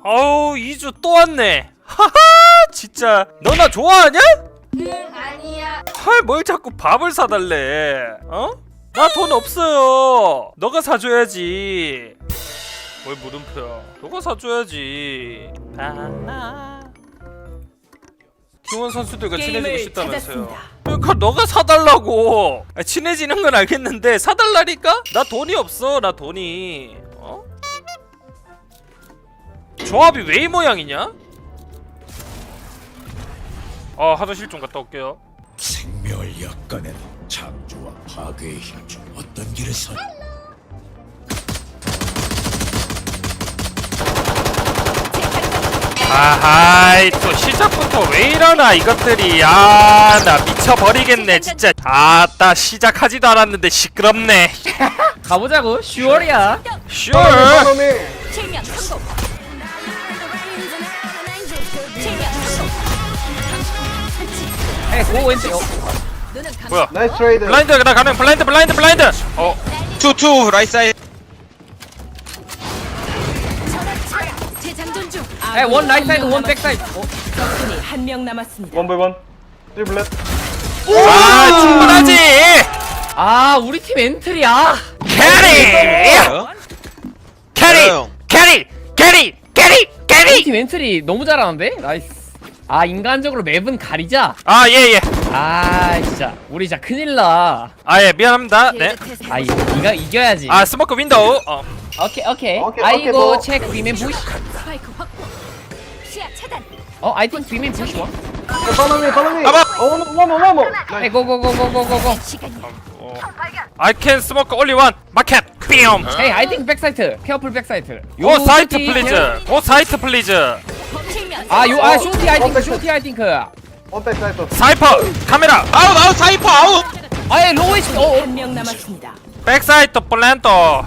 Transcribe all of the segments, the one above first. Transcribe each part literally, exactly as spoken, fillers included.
어우 이주 또 왔네. 하하 진짜 너 나 좋아하냐? 응 아니야. 헐 뭘 자꾸 밥을 사달래. 어? 나 돈 없어요. 너가 사줘야지. 뭘 물음표야. 너가 사줘야지. 바나 팀원 선수들과 친해지고 싶다면서요. 그러니까 너가 사달라고. 아, 친해지는 건 알겠는데 사달라니까? 나 돈이 없어. 나 돈이. 어? 조합이 왜 이 모양이냐? 아 화장실 좀 갔다 올게요. 생명을 엿가는 창조와 파괴의 힘 중 어떤 길을 선 아하이 또 시작부터 왜 이러나 이것들이. 아 나 미쳐버리겠네 진짜. 아따 시작하지도 않았는데 시끄럽네. 가보자고. 슈얼이야. 슈얼. 실명 성공. 실명 성공. 에이 고 왼쪽. 어. 눈은 감. 뭐야 나이스 트레이드. 블라인드 나 가능. 블라인드 블라인드 블라인드. 어 투투 라이트 사이드. 재장전 중. 에이 원 라이트 사이드 원 백 사이드. 어. 적군이 한 명 남았습니다. 원 바이 원. 트리블렛. 아 충분하지. 아 우리 팀 엔트리야. 캐리 캐리 형. 캐리 캐리 캐리 우리 캐리. 팀 엔트리 너무 잘하는데? 나이스. 아 인간적으로 맵은 가리자. 아 예예. 아 진짜 우리 진짜 큰일나. 아 예 미안합니다. 네. 아 이거 네가 이겨야지. 아 스모크 윈도우. 어. 오케이 오케이. 오케이, 아이고 오케이, 체크 비맨 부시. 스파이크 확보. 시야 차단. 어 I think 비맨 부시 원. 팔로우 미, 팔로우 미. 봐봐. 어, 원, 원, 원, 원. 에이 고고고고고고고. 시간이. 어. I can smoke only one. 마켓. 삐엄. 에이 I think 백사이트. 케어풀 백사이트. 고 사이트 플리즈. 고 사이트 플리즈. 실명. 아요아 쇼티 I think 어, 쇼티 I think. 원 백 사이트. 사이퍼 카메라. 아웃 아웃 사이퍼 아웃. 아예 로우 에이치. 어. 한 명 남았습니다. 백사이트 플랜터.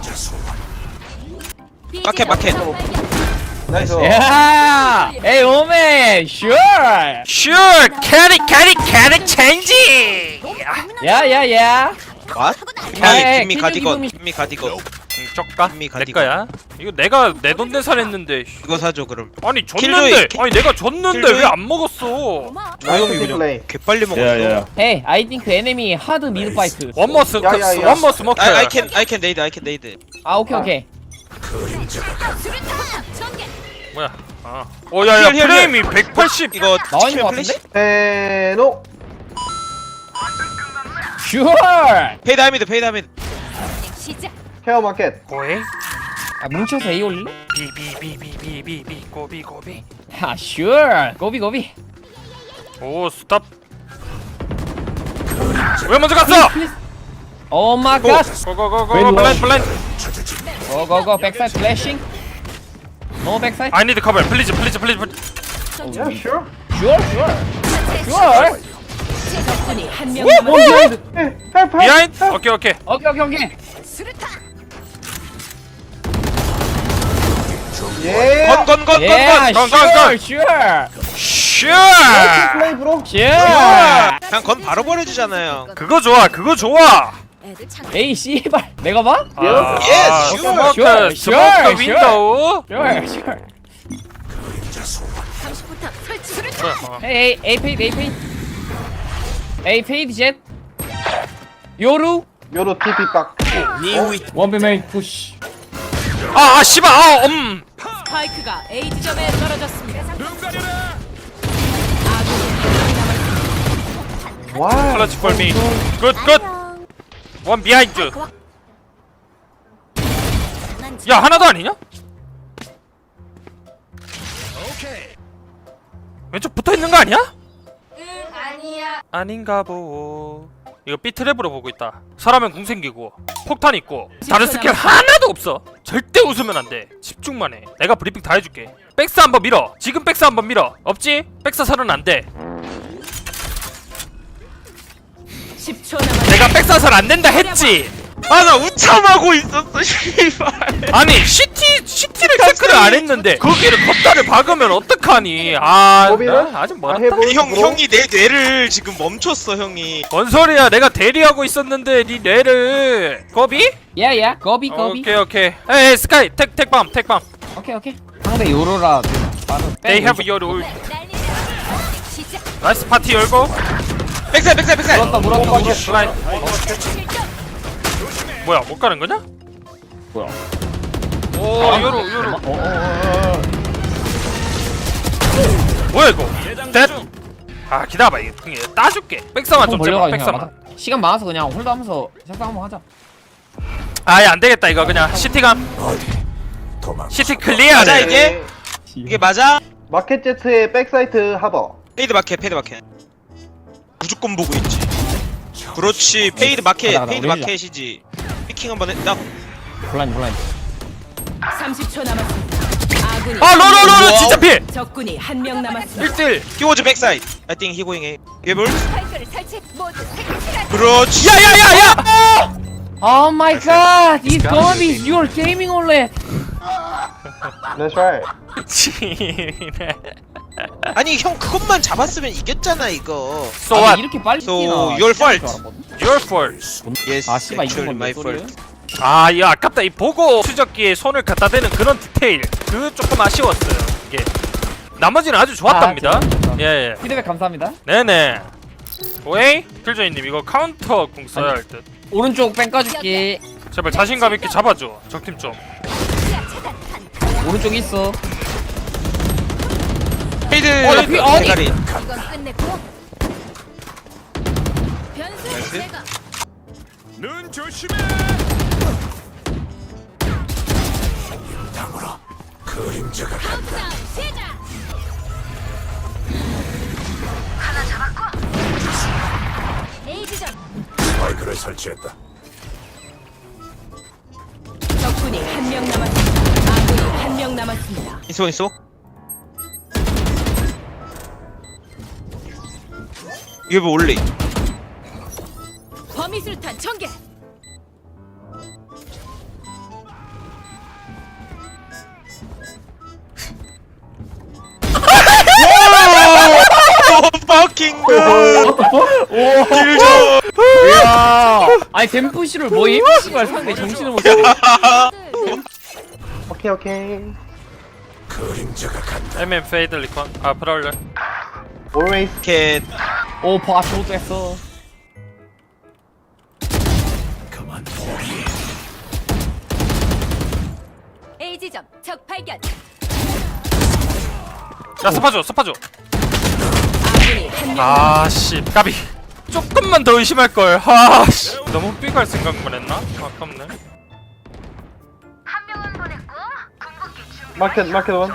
마켓, 마켓. 나이스. 야. 에이 오메 슈얼. Sure. 캐리 캐리 캐리 체인지. 야야야. 왓? 에이, 김미 김미 기둥, 가디건 기둥이- 김미 가디건. 응, 쪽가? 김미 내 가디건. 거야? 이거 내가 내 돈 내산했는데. 이거 사줘 그럼. 아니 킬조이, 줬는데. 킬- 아니 내가 줬는데 킬조이. 왜 안 먹었어? 조용히 플레이. 그냥 개빨리 먹었어. Hey, I think enemy hard mid fight. 원머 스 야, 야, 야. 원머 스모크. I I can I can nade I can nade. 아 오케이 오케이. 전개. 뭐야? 아. 어 야야 힐, 힐, 프레임이 백팔십. 이거 나와 있는 치킨 거 플래시? 같은데? 테노. 슈얼. 페이드 하미드 페이드 하미드. 시작. 케어 마켓. 고에 아 뭉쳐서 A 올릴래? 비비비비비비비 고비 고비. 아 슈얼. 고비 고비. 오 스탑. 왜 먼저 갔어? 오 마이 갓. 고고고고 블라인드 블라인드. 고고고 백사이드 플래싱. 노 백사이드. I need cover. Please please please. please. 야, 슈어. 슈얼 슈얼. 슈얼. 적군이 한 명 오! 남았습니다. 에, 헬프, 헬프. 비하인드. 오케이 오케이. 오케이 오케이 오케이. 수류탄. 예. 건건건 예. 건건. 건, 건, 슈얼 건. 슈얼. 슈어. 플레이 브로. 슈얼. 그냥 건 바로 버려주잖아요. 그거 좋아. 그거 좋아. 애들 참. 에이 씨발. 내가 봐? 아, Yes, 아, sure, 스모크 sure, 스모크 sure, 윈도우. 슈얼 슈얼. 삼십부터 설치. 수류탄. 어. 에이 에이 페이드 에이 페이드. 에이 페이드 젯. 요루. 요로 티피 빡. 원배맨 푸시. 아, 아 씨발. 아, 음. 스파이크가 A 지점에 떨어졌습니다. 와. 클러치 폴 미. 굿 굿. 원 비하인드. 야, 하나 더 아니냐? 왼쪽 붙어 있는 거 아니야? 응 아니야. 아닌가 보. 이거 B트랩으로 보고 있다. 사람은 궁 생기고 폭탄 있고 다른 스킬 하나도 없어. 절대 웃으면 안 돼. 집중만 해. 내가 브리핑 다 해줄게. 백사 한번 밀어. 지금 백사 한번 밀어. 없지? 백사 설은 안 돼. 십 초 남았. 내가 백사 설 안 된다 했지. 아 나 우참하고 있었어 씨발. 아니 시티 시티를 체크를 안 했는데 거기를 컵다를 박으면 어떡하니? 아, 고비는? 나 아직 아, 멀었다. 해볼 형 브로. 형이 내 뇌를 지금 멈췄어 형이. 뭔 소리야? 내가 대리하고 있었는데 네 뇌를 거비? 야야 고비 고비. 오케이 오케이. 에이 스카이 택 택밤 택밤. 오케이 오케이. 상대 요로라 빠른 They have your ult. 나이스 파티 열고. 백사이드 백사이드 백사이드 물었다 물었다 물었다 라인. 뭐야 못 가는 거냐? 뭐야 오 요로 요로. 어, 어, 어, 어. 뭐야 이거? 뎃. 아 기다려봐 이게 형이 따줄게. 백사만 좀 벌려가 잡아. 그냥 백사만. 막아. 시간 많아서 그냥 홀드하면서 색상 한번 하자 아예 안 되겠다 이거 그냥 시티감. 어디 도망. 시티 클리어. 맞아 이게? 이게 맞아? 마켓 제트의 백사이트 하버. 페이드 마켓 페이드 마켓 무조건 보고 있지. 그렇지 페이드 마켓 가자, 가자, 페이드 우리 마켓이지. 피킹 한번 했다. 블라인 블라인 삼십 초 남았습니다. 아군이 아 로로로로 진짜 피. 적군이 한 명 남았습니다. 일 대 일. 키워즈 백사이드. I think he going A. 예볼. 스파이크를 설치 모두 색칠한 그렇지. 야야야야. Oh my god it's gonna be your gaming OLED That's right. 지네. 아니 형 그것만 잡았으면 이겼잖아 이거. So 아니, what? 이렇게 빨리 So, 뛰나 your fault. 줄 알았거든. Your fault. Yes, 아 씨발 이건 actually my 뭔 소리야 fault. 아, 이거 아깝다. 이 보고 추적기에 손을 갖다 대는 그런 디테일. 그 조금 아쉬웠어요. 이게. 나머지는 아주 좋았답니다. 아, 죄송합니다. 예, 예. 피드백 감사합니다 네네. 오이? 필조이님 이거 카운터 궁 써야 할 듯. 오른쪽 뺑 까줄게 제발 자신감 있게 잡아줘. 적팀 좀. 오른쪽 있어 페이드. 어, 나 피- 어, 대가리. 이건 끝냈고 변수 제거 눈 조심해. 땅으로 그림자가 간다. 시작 A 지점 스파이크를 설치했다. 적군이 한 명 남았습니다. 아군이 한 명 남았습니다. 있어 있어. 이게 뭐 올리. 범위술탄 전개. fucking good. 딜죠. 이야 아니 댐프시를 뭐임? 씨발 상대 정신을 못 차려 오케이 오케이. 그림자가 간다. 엠엠 페이드 리콘. 아, 프라울러. Always. 캣. 오 바쇼도 했어 그만 포기해. A 지점 적 발견. 야, 스파줘, 스파줘. 아군이 한 명. 아, 씨. 까비. 조금만 더 의심할 걸. 아, 씨. 너무 삐갈 생각만 했나? 아깝네. 마켓 마켓 원.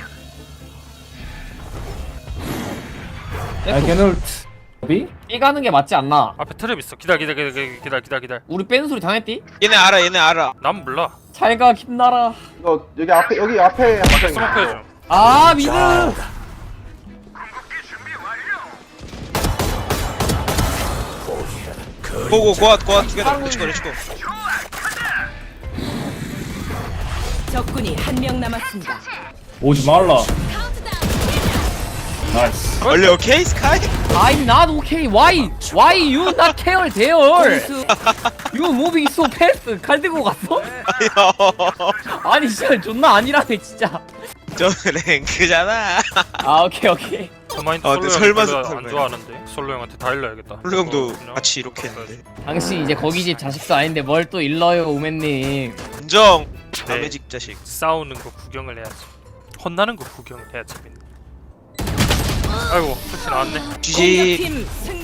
비? 이 가는 게 맞지 않나? 앞에 트랩 있어. 기다려, 기다려, 기다려, 기다려, 기다려, 기다려. 우리 뺀 소리 당했디? 얘네 알아 얘네 알아. 난 몰라. 잘가 김나라 이거 여기 앞에 여기 앞에 한 명. 스모크 해줘. 아 미드 고고 고앗 고앗 투게더. 렛츠고 렛츠고. 적군이 한 명 남았습니다. 오지 말라. 카운트다운. 나이스. 원래 오케이 스카이? I'm not okay why? Why you not care there? 공수 You moving so fast 칼 들고 갔어? 아니 진짜 존나 아니라네 진짜 저 랭크잖아. 아 오케이 오케이 그마인드 아, 솔로 근데 형 설마 별로 설마. 안 좋아하는데. 솔로 형한테 다 일러야겠다. 홀로 형도 그냥 같이 이렇게 했는데. 당신 이제 거기 집 자식도 아닌데 뭘 또 일러요 우맨님 인정. 네. 남의 집 자식. 싸우는 거 구경을 해야지. 혼나는 거 구경을 해야 재밌네. 아이고, 끝이 나왔네. 지지. 공격팀 승리.